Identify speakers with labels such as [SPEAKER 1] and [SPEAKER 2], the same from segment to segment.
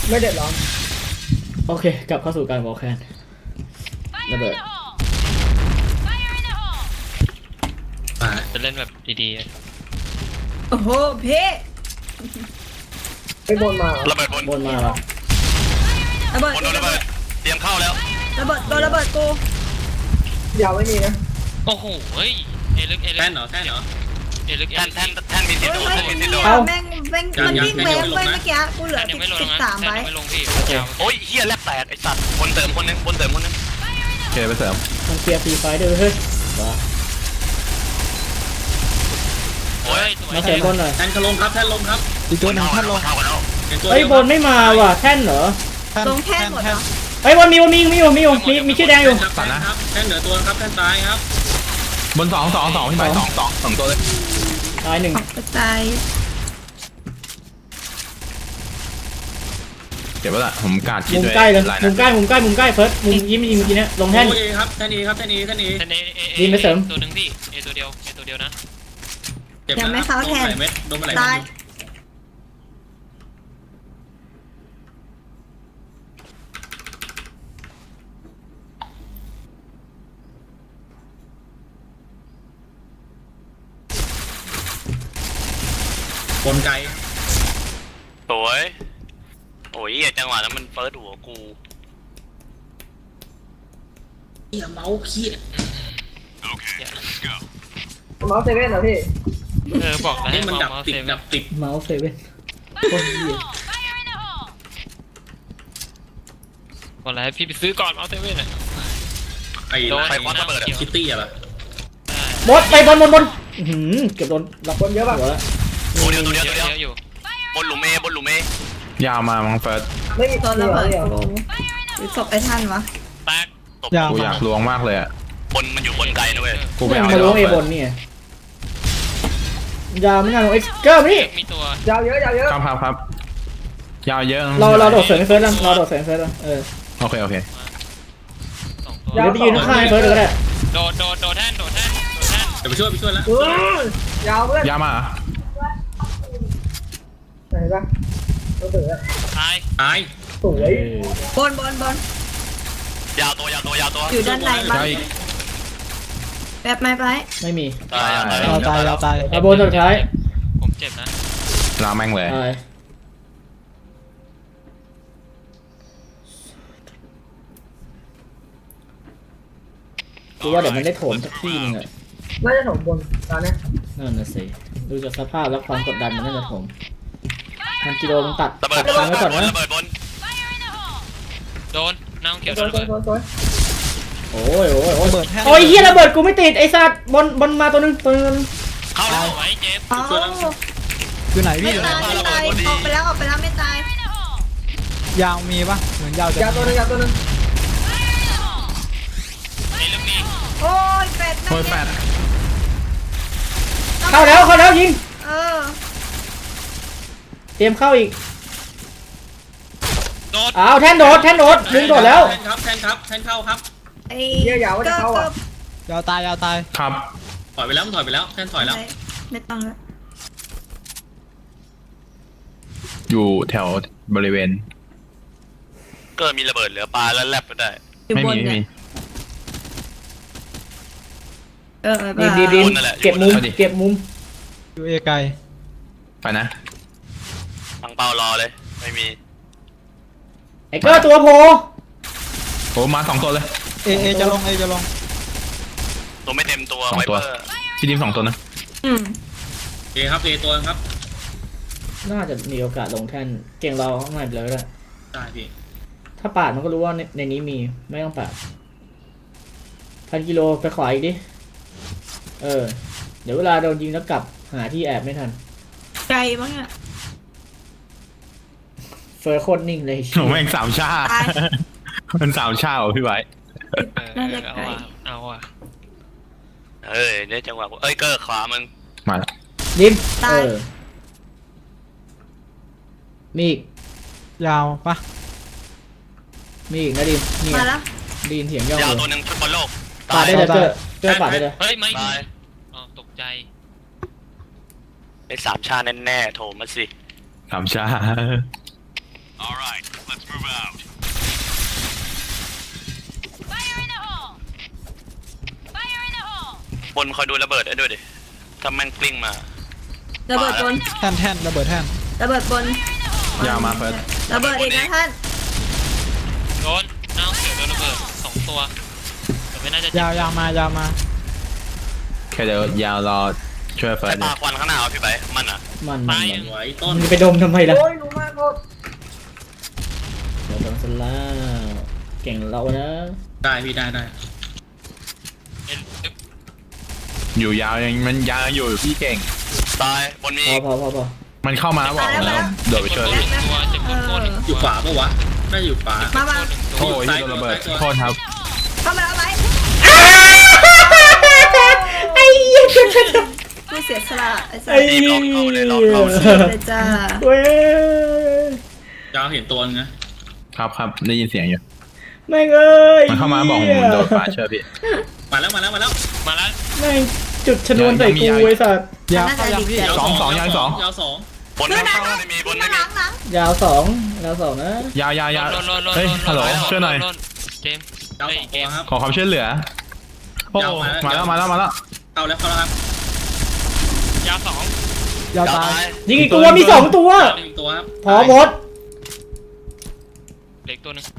[SPEAKER 1] ไม่เดือดร้อน
[SPEAKER 2] โอเคกลับเข้าสู่การวอลแคนระเบิด
[SPEAKER 3] จะเล่นแบบดี
[SPEAKER 4] โอ้โหเพ่
[SPEAKER 1] ไปบนมา
[SPEAKER 5] ระเบิดบน
[SPEAKER 2] บนมาแล้ว
[SPEAKER 4] ระเบิด
[SPEAKER 5] บนโดนระเบิดเตรียมเข้าแล้ว
[SPEAKER 4] ระเบิดโดนระเบิดกู
[SPEAKER 1] ยาวไม่มีนะ
[SPEAKER 3] ๆโอ้โหเฮ้ยเอลึกเอลึก
[SPEAKER 6] แท่นเหรอแท่นเหรอ
[SPEAKER 3] เอลึก
[SPEAKER 5] แท่นมีสิทธิ์โดนแท่นมีสิทธิ์โดน
[SPEAKER 4] แม่งมันวิ่งเวฟเว้ยเมื่อกี้กูเหลือ
[SPEAKER 3] ยังไม่ลงนะ
[SPEAKER 4] 13
[SPEAKER 3] ยั
[SPEAKER 4] ไว้
[SPEAKER 3] งไม่ลงพี่ยาว
[SPEAKER 5] โอ้ยเฮียแลบแตกไอ้สัตว์บนเติมคนนึงบนเติมคนนึง
[SPEAKER 7] โอเคไปเสริม
[SPEAKER 2] มันเคลียร์ฟรีไฟด้วยเฮ้ยว้า
[SPEAKER 3] โอ้ยสวย
[SPEAKER 2] มาเสริมบนหน่อย
[SPEAKER 6] แท่นเขาลงครับแท่นลงครับ
[SPEAKER 7] อีกตัวหนึ่งท่านลง
[SPEAKER 5] เข้ากันแล้ว
[SPEAKER 2] เฮ้ยบนไม่มาว่ะแท่นเหรอ
[SPEAKER 4] ลงแท่นหมดเหรอ
[SPEAKER 2] เฮ้ยบนมีมีชื่อแดงอยู่
[SPEAKER 6] แท่นครับแท่นเหนือตัวครับแท่นตายครับ
[SPEAKER 7] บน2พี่ไปสองตัวเลย
[SPEAKER 2] ตายหนึ่ง
[SPEAKER 4] กระจาย
[SPEAKER 7] เก็บไว้ละผมกาดคิด
[SPEAKER 2] มุม
[SPEAKER 7] ด้วย
[SPEAKER 2] ใกล้เลย
[SPEAKER 7] ลาย
[SPEAKER 2] มุ
[SPEAKER 7] นะ
[SPEAKER 2] มใกล้เฟิร์สมุมยิ้มยิงเมื่อกี้เนี้ยลงแท่น
[SPEAKER 6] โอ้ยครับแท่นเอครับแท่นเอแท่นเอ
[SPEAKER 3] แท่นเอ
[SPEAKER 2] ดีไปเสริม
[SPEAKER 3] ตัวหนึ่งพี่เอตัวเดียวเอตัวเดียวนะ
[SPEAKER 6] เจ็บนะโดนไหลเม็ดโดนไหล
[SPEAKER 4] ตาย
[SPEAKER 6] บนไกล
[SPEAKER 5] สวยโอ้ยเฮียจังหวะนั้นมันเฟิร์สหัวกู
[SPEAKER 6] เขี้ยเมาส์เขี้ย
[SPEAKER 1] เมาส์เซเว่นเหรอพี่
[SPEAKER 3] บอกแล้ว
[SPEAKER 6] นี่มันดับ
[SPEAKER 3] เมา
[SPEAKER 6] ติด
[SPEAKER 3] เซ
[SPEAKER 6] ดับติด
[SPEAKER 2] เมาส์เซเว่นโคตรเหี้ย
[SPEAKER 3] บอกแล้วพี่ไปซื้อก่อนเมาเซเว่นอ่ะ
[SPEAKER 6] ไอ้
[SPEAKER 5] ใครคว้าระเบิดอะ
[SPEAKER 6] คิตตี้อะล่ะ
[SPEAKER 2] บดไปบนเกือบโดนล็อก
[SPEAKER 1] บนเยอะป่ะ
[SPEAKER 2] หัวแล้ว
[SPEAKER 5] ตัวเดียว
[SPEAKER 3] เยอะอยู่
[SPEAKER 5] บนหลุมบนหลุม
[SPEAKER 7] ยาวมามังเฟิร์ส
[SPEAKER 1] ไม่มี
[SPEAKER 4] โดนระเบิด
[SPEAKER 1] ดียว
[SPEAKER 4] กูหรือศพไอ้ท่านวะ
[SPEAKER 3] แตก
[SPEAKER 5] ตบ
[SPEAKER 7] กูอยากลวงมากเลยอ่ะ
[SPEAKER 5] บนมันอยู่บนไกลนะเว้ย
[SPEAKER 7] กูไปเอา
[SPEAKER 2] มาล้วงเอบนนี่ยาวไม่น่าลงเอ็กซ์เกิร์นี่
[SPEAKER 3] มีตัวย
[SPEAKER 1] าวเยอะยาวเยอะ
[SPEAKER 7] ครับยาวเยอะ
[SPEAKER 2] เราโดดเสริมเฟิร์สแล้วเราโดดเสริมเฟิร์สแล้ว
[SPEAKER 7] โอเค
[SPEAKER 3] 2ตัว
[SPEAKER 2] เดี๋ยวไปยืนข้างเฟิร์สเลยก็ได้
[SPEAKER 3] โดดแท่น
[SPEAKER 6] เดี๋ยวไปช่วยแล้ว
[SPEAKER 1] ยาวเพื่อน
[SPEAKER 7] ยาวมา
[SPEAKER 1] เห็นปะตัวเสือ
[SPEAKER 3] ตาย
[SPEAKER 6] ตาย
[SPEAKER 1] สวย
[SPEAKER 4] บน
[SPEAKER 5] ยาวตัว
[SPEAKER 4] อยู่ด้านในบ้าน
[SPEAKER 7] ยาวอีก
[SPEAKER 4] แบบไม้ไป
[SPEAKER 2] ไม่มี
[SPEAKER 5] ตาย
[SPEAKER 2] เอาบนสุดท้าย
[SPEAKER 3] ผมเจ็บนะ
[SPEAKER 7] ลาแม่งเลย
[SPEAKER 2] ตายกูว่าเดี๋ยวมันได้โถมสักที่นึงอ่ะ
[SPEAKER 1] น่าจะถมบนตอนนี้
[SPEAKER 2] นั่นน่ะสิดูจากสภาพและความกดดันมันน่าจะโถม1,000 กิโลมันตัด
[SPEAKER 5] ระเบิด
[SPEAKER 2] ทางไว้ก่อนนะ
[SPEAKER 5] ระเบิดบน
[SPEAKER 3] โดนน้ำเขียว
[SPEAKER 1] ส
[SPEAKER 3] โด
[SPEAKER 1] วย
[SPEAKER 3] นระเบิด
[SPEAKER 1] สวย
[SPEAKER 2] โอ้ยโอ้ยเฮียระเบิดกูไม่ติดไอ้สัตว์บนมาตัวนึง
[SPEAKER 5] เข้าแล้ว
[SPEAKER 3] ไว้เจ็บ
[SPEAKER 4] เอ้า
[SPEAKER 8] อยู่ไหน
[SPEAKER 4] ไม่
[SPEAKER 8] พี่อยู่ไหน
[SPEAKER 4] ตายออกไปแล้วไม่ตาย
[SPEAKER 8] ยาวมีปะเหมือนยาวจะ
[SPEAKER 1] ยาวตัวนึงยาวตัวนึง
[SPEAKER 3] ไอ้ลูกนี้
[SPEAKER 4] โอ้ยเป็ด
[SPEAKER 7] โอ้ยแปด
[SPEAKER 2] เข้าแล้วยิง
[SPEAKER 4] เออ
[SPEAKER 2] เตรียมเข้าอีก
[SPEAKER 3] โดด
[SPEAKER 2] อ้าวแท่นโดดดึงโดดแล้ว
[SPEAKER 6] แท่นครับแท่นเข้าครับ
[SPEAKER 4] ไอ้
[SPEAKER 1] เยอะยาวว่าจะเข้าอ่ะ
[SPEAKER 8] ยาวตาย
[SPEAKER 7] ครับ
[SPEAKER 6] ถอยไปแล้วแท่นถอยแล้ว
[SPEAKER 4] ไม่ต้องแล้ว
[SPEAKER 7] อยู่แถวบริเวณ
[SPEAKER 5] เกิดมีระเบิดเหลือปลาแล้วแลบไปได้
[SPEAKER 4] อยู่
[SPEAKER 7] ไม่
[SPEAKER 4] บน
[SPEAKER 7] มี
[SPEAKER 4] เนี่ยเออ
[SPEAKER 2] ดี
[SPEAKER 5] บนนั่นแหละ
[SPEAKER 2] เก็บมุม
[SPEAKER 8] อยู่เอไกล
[SPEAKER 7] ไปนะ
[SPEAKER 5] ตั้งเป้ารอเลยไม่มี
[SPEAKER 2] ไอ้เกอร์ตัวโผล่
[SPEAKER 7] โอ้มา2ตัวเลย
[SPEAKER 8] เอจะลง
[SPEAKER 5] ตัวไม่เต็มตัว
[SPEAKER 7] สอง
[SPEAKER 5] ไว
[SPEAKER 7] ตัว
[SPEAKER 5] เปอร์
[SPEAKER 7] ที่ดิม2ตัวนะ
[SPEAKER 4] อืม
[SPEAKER 6] เอครับเอตัวครับ
[SPEAKER 2] น่าจะมีโอกาสลงแท่นเก่งเราข้างในไปเลยก็ได้
[SPEAKER 6] ได้พี่
[SPEAKER 2] ถ้าปาดมันก็รู้ว่าในนี้มีไม่ต้องปาด1,000 กิโลไปขวาอีกดิเดี๋ยวเวลาโดนยิงแล้วกลับหาที่แอบไม่ทัน
[SPEAKER 4] ไกลบ้างอ่ะ
[SPEAKER 2] เฟอร์โคตรนิ่งเลย
[SPEAKER 7] โอ้แม่ง3 ชามัน3 ชาเหรอพี่ไว้
[SPEAKER 3] เอาอ่ะ
[SPEAKER 5] เนี่ยจังหวะเกิดขวามึง
[SPEAKER 7] มาแล้ว
[SPEAKER 2] ดิม
[SPEAKER 4] ตาย
[SPEAKER 2] มีอีก
[SPEAKER 8] ยาวปะ
[SPEAKER 2] มีอีกนะดิมนี่
[SPEAKER 4] มาแล้ว
[SPEAKER 2] ดีนเถียงย่อง
[SPEAKER 5] ยาว
[SPEAKER 2] เล
[SPEAKER 5] ตัวย หนึ่งฟุตบอลโลก
[SPEAKER 2] ปาดได้เลยเกอร์ปาดได้เลย
[SPEAKER 3] เฮ้ยไม่
[SPEAKER 5] ตาย
[SPEAKER 3] อ๋อตกใจ
[SPEAKER 5] ไอ้3 ชาแน่ๆโถมาสิ
[SPEAKER 7] 3 ชา
[SPEAKER 5] บนคอยดูระเบิดได้ด้วยดิถ้าแม่งกลิ้งมา
[SPEAKER 4] ระเบิดบน
[SPEAKER 8] แท่นระเบิดแท่น
[SPEAKER 4] ระเบิดบน
[SPEAKER 7] ยาวมาเฟิร์ส
[SPEAKER 4] ระเบิดอีกนะท่าน
[SPEAKER 3] โดนน้าเสือโดนระเบิด2 ตัวแต่ไม่น่าจะเจ็บ
[SPEAKER 8] ยาวมายาวมา
[SPEAKER 7] แค่เดี๋ยวยาวรอช่วยเฟิ
[SPEAKER 5] ไอ้
[SPEAKER 7] ร์ส
[SPEAKER 5] ปลาควันข้างหน้าเอาพี่ไปมันอ่ะ
[SPEAKER 2] มัน
[SPEAKER 3] ตายหนึ่ง
[SPEAKER 6] สวยต้น
[SPEAKER 2] มึงจะไปดมทำไมล่ะ
[SPEAKER 1] โอ้ยรู้มากโคตร
[SPEAKER 2] เดี๋ยวโดนสลาเก่งเรานะ
[SPEAKER 6] ได้พี่ได้
[SPEAKER 3] เอ็น
[SPEAKER 7] อยู่ยาวยังมันยาวอยู่พี่เก่ง
[SPEAKER 5] ตายบนมี
[SPEAKER 2] พอ
[SPEAKER 7] มันเข้ามาบอกแล้วโดดไปช่วยพี่
[SPEAKER 3] ตัวเจ็บโคตรหนึ่ง
[SPEAKER 6] อยู่ขวาปะวะน่าจะอยู่ขวา
[SPEAKER 4] มา
[SPEAKER 7] โอ้ยโดนระเบิดโทษครับ
[SPEAKER 4] เข้ามาแล้วไหม
[SPEAKER 2] ไอ้เหี้ย
[SPEAKER 4] ผู้เสียสละไอ้สั
[SPEAKER 2] ไอ้
[SPEAKER 4] ส
[SPEAKER 2] เหี้ย
[SPEAKER 4] เลยจ้า
[SPEAKER 2] เว้ย
[SPEAKER 6] ยาวเห็นตัวนึงนะครับ
[SPEAKER 7] ได้ยินเสียงอยู่
[SPEAKER 2] แม่งเอ้ย
[SPEAKER 7] มันเข้ามาบอกผมโดดฟ้าช่วยพี่
[SPEAKER 6] มาแล้ว
[SPEAKER 3] มาแล้ว
[SPEAKER 2] แม่งจุดชนวนใส่กูไอ้สัตว์
[SPEAKER 8] ยาวเข้ายาวพี่
[SPEAKER 7] สองยาวสอง
[SPEAKER 6] ยาวสอง
[SPEAKER 5] บนไม่มีบนไม่มี
[SPEAKER 4] หลัง
[SPEAKER 2] ยาวสองนะ
[SPEAKER 7] ยาวเฮ้ยฮัลโหลช่วยหน่อย
[SPEAKER 3] เจมส์
[SPEAKER 6] ยาวสองตัวครับ
[SPEAKER 7] ขอความช่วยเหลือโอ้มาแล้ว
[SPEAKER 6] เข้าแล้วครับ
[SPEAKER 3] ยาว2
[SPEAKER 8] ยาวตาย
[SPEAKER 2] ยิงอีกตัวมี2 ตัว
[SPEAKER 6] หนึ่งตัวครับ
[SPEAKER 2] พอหมด
[SPEAKER 3] เหล็กตัวหนึง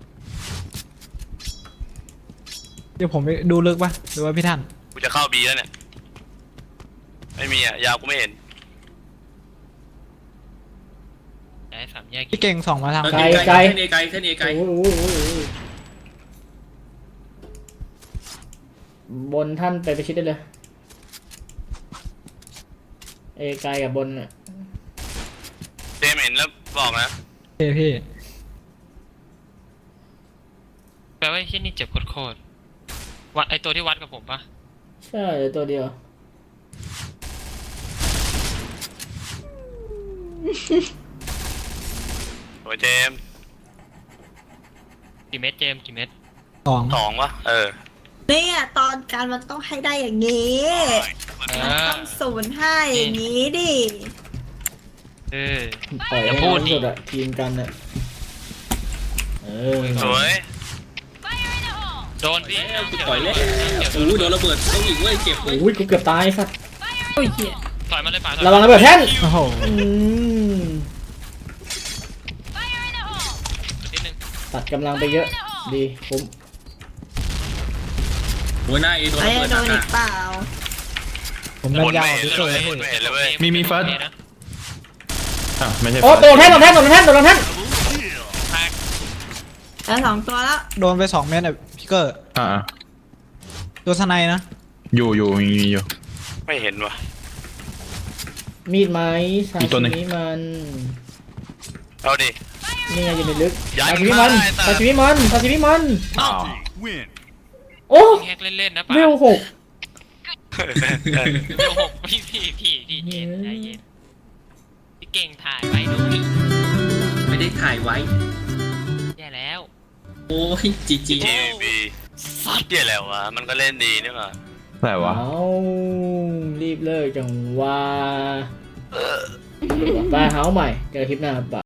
[SPEAKER 8] เดี๋ยวผมไปดูลึกป่ะหรือว่าพี่ท่าน
[SPEAKER 5] กูจะเข้าบีแล้วเนี่ยไม่มีอ่ะยาวกูไม่เห็น
[SPEAKER 3] ย้าย3 แยก
[SPEAKER 8] พี่เก่งส่องมาทาง
[SPEAKER 6] เส้นเอไกล
[SPEAKER 2] โอ้โหบนท่านไปประชิดได้เลยเอไกลกับบนน่ะ
[SPEAKER 5] เจมเห็นแล้วบอกนะ
[SPEAKER 8] พี่
[SPEAKER 3] แปลว่าที่นี่เจ็บโคตรวัดไอตัวที่วัดกับผมปะ
[SPEAKER 2] ใช่เหลือตัวเดียว
[SPEAKER 5] โอ้ยเจม
[SPEAKER 3] กี่เม็ดเจมส์กี่เม็ด
[SPEAKER 8] สอง
[SPEAKER 5] วะ
[SPEAKER 4] เนี่ยตอนการมันต้องให้ได้อย่างนี้ มันต้อง0-5อย่างนี้ดิ
[SPEAKER 2] ปล่อย
[SPEAKER 3] อย่า
[SPEAKER 2] ให้
[SPEAKER 3] พูด
[SPEAKER 2] น้อง
[SPEAKER 3] ดิ
[SPEAKER 2] สุดอะทีมกันอะเออ
[SPEAKER 5] สวย
[SPEAKER 3] โดนพี่
[SPEAKER 6] ปล่อยเล่นโอ้โดนระเบิดต้องอีกเว้ยเจ็บเลย
[SPEAKER 2] โอ้ยกูเกือบตายไอ้สัตว์
[SPEAKER 4] โอ้ยเหี้ย
[SPEAKER 3] ถอยมาเลยป่า
[SPEAKER 2] ระวังระเบิดแท่น
[SPEAKER 8] โอ้โห
[SPEAKER 3] นิดนึง
[SPEAKER 2] ตัดกำลังไปเยอะ ดีคุ้ม
[SPEAKER 6] โอ้ยหน้าเอโดน
[SPEAKER 4] ไอ้
[SPEAKER 6] ระเบิด
[SPEAKER 4] โด
[SPEAKER 6] ห
[SPEAKER 4] น
[SPEAKER 6] นั
[SPEAKER 4] อี
[SPEAKER 6] ก
[SPEAKER 4] กเปล่า
[SPEAKER 8] ผมเป็นยาว
[SPEAKER 5] บนไม่เห็นเลยเว้ย
[SPEAKER 7] มีเฟิร์ส
[SPEAKER 3] นะ
[SPEAKER 7] ไม่ใช่
[SPEAKER 2] โอ้โดนแท่นแท่น
[SPEAKER 3] แท็ก
[SPEAKER 4] แล้ว2 ตัวแล้ว
[SPEAKER 8] โดนไป2 เมตรอ่ะพี่เกอร์ ตัวสไนนะ
[SPEAKER 7] อยู่
[SPEAKER 5] ไม่เห็นวะ
[SPEAKER 2] มีดไหมซา
[SPEAKER 7] อีกตัวหนึ่
[SPEAKER 2] ชิ
[SPEAKER 7] ง
[SPEAKER 2] มิมัน
[SPEAKER 5] เอาดิ
[SPEAKER 2] นี่ไงอยู่ในลึก
[SPEAKER 5] ย้าย
[SPEAKER 2] ซาชิมิมัน
[SPEAKER 5] ได้
[SPEAKER 2] ซาชิมิมันซาชิมิมัน
[SPEAKER 7] อ๋อ
[SPEAKER 2] โอ้
[SPEAKER 3] แฮกเล่นๆนะป่า
[SPEAKER 2] เวล6
[SPEAKER 3] เดี๋ยว6พี่เย็นใจเย็นพี่เก่งถ่ายไว้ดูดิ
[SPEAKER 6] ไม่ได้ถ่ายไว้
[SPEAKER 3] แย่แล้ว
[SPEAKER 6] โอ้ยจี
[SPEAKER 5] จีบีเหี้ยแล้ววะมันก็เล่นดีนี่หว่า
[SPEAKER 7] อะไรวะ
[SPEAKER 2] เอารีบเลิกจังว่าไปเฮาใหม่เจอคลิปหน้าครับไป